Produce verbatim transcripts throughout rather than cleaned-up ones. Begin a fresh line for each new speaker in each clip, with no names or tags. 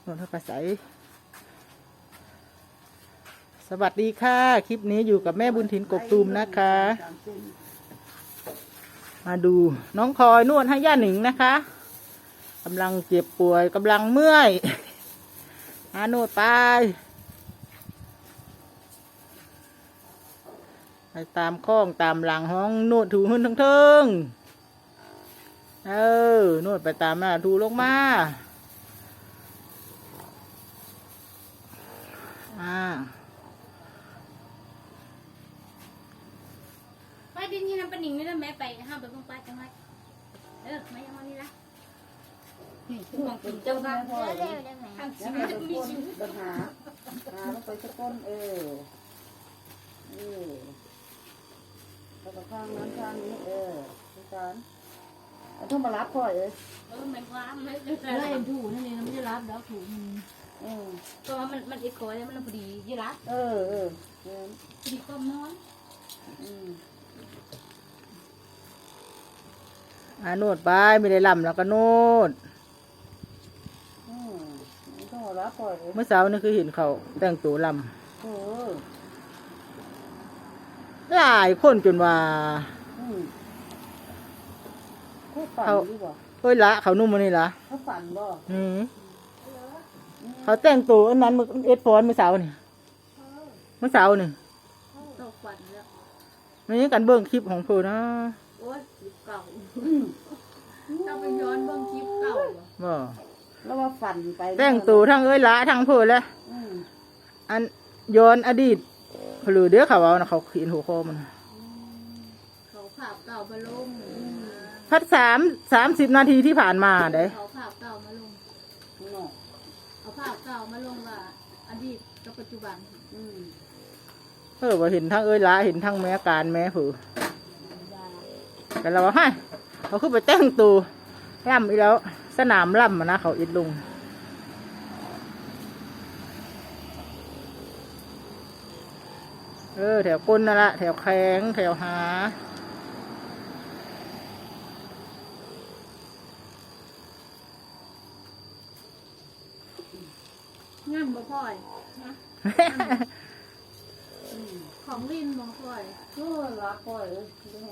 นนทกระใสสวัสดีค่ะคลิปนี้อยู่กับแม่บุญถิ่นกกตูมนะคะมาดูน้องคอยนวดให้ย่าหนิงนะคะกำลังเจ็บป่วยกำลังเมื่อยมานวดไปไปตามข้องตามหลังห้องนวดถูขึ้นทั้งเทิงเออนวดไปตามหน้าถูลงมาอ่า
ไปดินนี่น้ำปนิงนี่แล้วแม่ไปห้ามไปบ้างไปจังไรเออไม่ยังวันนี้ละนี่คือของกินเจ้าค่ะทางชีวิตมีชีวิต
ปัญหาหาลงไปสักก้นเออเออแล้วก็ข้างนั้นข้างนี้เออทุกการเอาต้องมารับพ่อยเลย
เออมันว้าไม่ได้
เออเอ็นถูนั่นเองไม่ได้รับแล้วถูมัน
เออ
ก็มันมันอีกคนแล้วมันพอดียี่รัก
เออเออเออ
พอดีก้มนอน
อืม
อ่านวดไปไม่ได้ลำแล้วก็นวด
อืมต้องมารับพ่อยเลย
เมื่อเช้านี่คือเห็นเขาแต่งตัวล
เออ
ำหลายคนจนว่า
อืมเขาฝันดีกว่า
เฮ้ยละเขานุ่มมันนี่ละ
เขาฝันบ่
นี่เขาแต่งตัวอันนั้นมือเอ็ดฟอนเมื่อเช้านี่เมื่อเช้านี่
ตกฝันแล้ว
ไม่ใช่กันเบิ้งคลิปของเธอนะ
โอ๊ยคลิปเก่าต้องไปย้อนเบิ่งคลิปเก่า
บ่
แล้วว่าฝันไป
แต่งตัวทั้งเอ้ยละทั้งเพื่อแล้ว
อืม
อันย้อนอดีตหรือเดี๋ยวเขาเอานะเขาเขียนหัวข้อมัน
เขาภาพเก่ามาลง
พัดสามสามสิบนาทีที่ผ่านมาเด้
เขาภาพเก่ามาลง
เนาะ
เอาภาพเก่ามาลงว่าอดีตกับปัจจุบัน
อืม
เออว่าเห็นทั้งเอ้ยละเห็นทั้งแม่การแม่ผือแต่เราว่าให้เขาขึ้นไปแต่งตัวล่ำอีแล้ว สนามล่ำมานะเขาอิดลุงเออแถวก้นนั่นละแถวแข้งแถวหา
งามบ่พ่อยนะของลินบ่พ่อย
เออรักพ่อยเลยแม่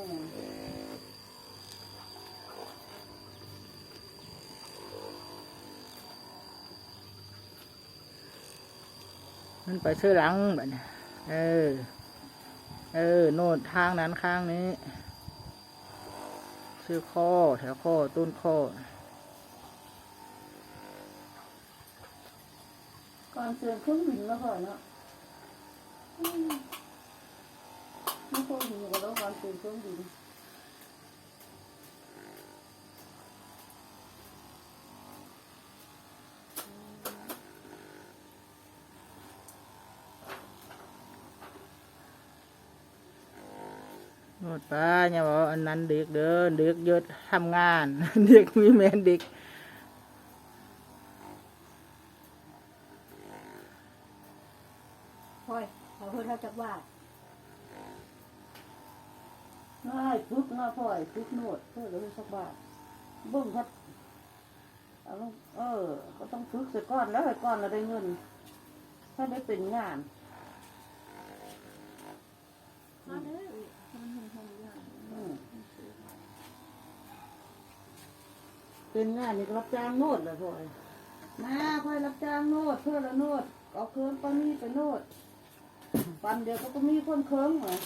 มันไปเชื่อหลังแบบนี้เออ เออ โน่นทางนั้นข้างนี้ชื่อข้อแถวข้อต้นข้อ
ก่อนเสื่อมเครื่องบินแล้วพ่อยเนาะอืมไม่เคยเห็นกันแล้วก่อนเสื่อมเครื่องบิน
โน่นไปเนี่ยบอกอันนั้นเด็กเดินเด็กเยอะทำงาน เด็กมีแมนเด็ก
พ่อยเขาเพิ่งเท่าจักว่า
ง่ายปุ๊บง่ายพ่อยปุ๊บโนดเพื่อจะได้สักบาทเบิ้งครับเอาลงเออ ก็ต้องฝึกเสร็จก้อนแล้วเสร็จก้อนเราได้เงิน ถ้าได้เป็นงาน
มาเด้อมันหงหงอย่าง
อืมเป็นงานนี่ก็รับจ้างโนดเลยพ่อยมาพ่อยรับจ้างโนดเพื่อละโนดเอาเครื่องปานี่ไปโนดปันเดียวเขาก็มีคนเครื่องเหรอ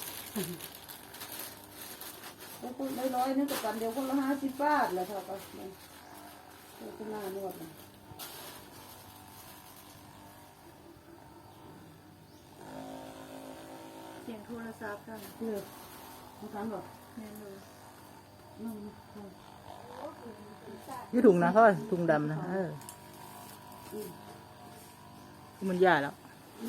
แล้วคนน้อยๆนี่ก็ปันเดียวคนละห้าสิบบาทเลยเท่ากันเนี่ยเพื่อหน้านวดนะ
เสียงโทรศัพท์กัน
เลือกทำกันบอก
แม่นเลย
นั่ง
ยี่ถุงนะพ่อยถุงดำนะเออมันยากแล้ว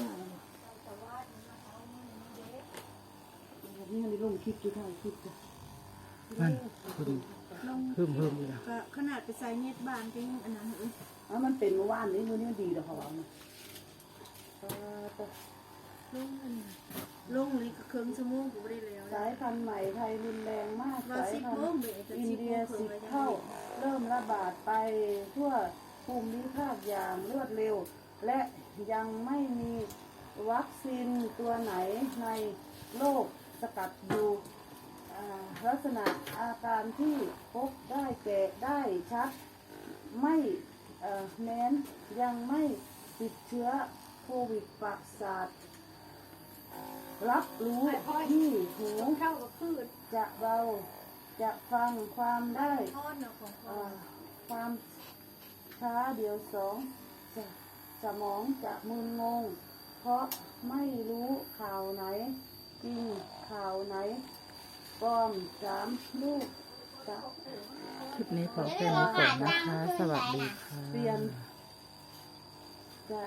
นี่มันลงคลิปดูท่าคลิปจ้ะ
มันเพิ่มเพิ่มเลยนะ
ก็ขนาดไปใส่เน็ตบ้านก็ยังอันนั้นเอ้ย
อ่ะมันเป็นเมื่อวานนี้มือนี้มันดีแล้วเขาว่านะเออแต่
ลงอันนี้ลงนี่ก็เครื่องชั่วโมงกูไม่ได้แล้ว
สายพันธุ์ใหม่ไทยรุนแรงมาก
ว่า
สาย
สิบ
พัน
โมง
ธุ์
เบรก
อิน
สิบ
เดี
โม
ย
งครึ่
สิ
ง
บ
แล้วยัง
เท่า
ไม่
เริ่มระบาดไปทั่วภูมิภาคอย่างรวดเร็ว และยังไม่มีวัคซีนตัวไหนในโลกสกัดอยู่อ่าลักษณะอาการที่พบได้แก่ได้ชัดไม่เอ่อแม้นยังไม่ติดเชื้อโควิดประสาทรับรู้ที่หู
เข้ากับพืช
จะเบาจะฟังความได้
ทอดเนาะของ
เอ่อความช้าเดียวสองสสมองจะมึนงง เพราะไม่รู้ข่าวไหน จริงข่าวไหนปลอมสามลูกจะ
คลิปนี้ขอแค่นี้ก่อนนะคะ สวัสดีค่ะ
เปลี่ยน